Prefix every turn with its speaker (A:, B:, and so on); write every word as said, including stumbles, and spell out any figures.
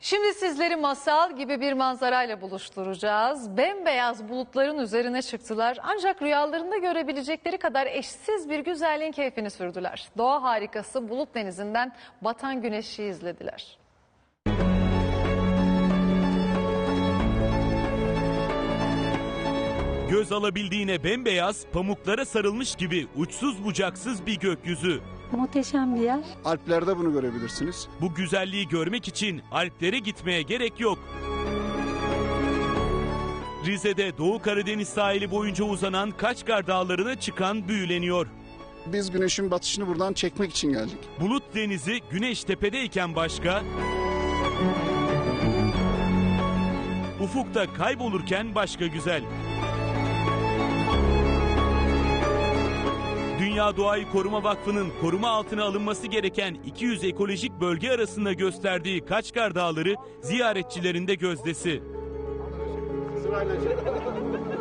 A: Şimdi sizleri masal gibi bir manzarayla buluşturacağız. Bembeyaz bulutların üzerine çıktılar. Ancak rüyalarında görebilecekleri kadar eşsiz bir güzelliğin keyfini sürdüler. Doğa harikası Bulut Denizi'nden batan güneşi izlediler.
B: Göz alabildiğine bembeyaz, pamuklara sarılmış gibi uçsuz bucaksız bir gökyüzü.
C: Muhteşem bir yer.
D: Alplerde bunu görebilirsiniz.
B: Bu güzelliği görmek için Alplere gitmeye gerek yok. Rize'de Doğu Karadeniz sahili boyunca uzanan Kaçkar Dağları'na çıkan büyüleniyor.
D: Biz güneşin batışını buradan çekmek için geldik.
B: Bulut Denizi güneş tepedeyken başka, ufukta kaybolurken başka güzel. Dünya Doğayı Koruma Vakfı'nın koruma altına alınması gereken iki yüz ekolojik bölge arasında gösterdiği Kaçkar Dağları ziyaretçilerin de gözdesi.
D: Sırayla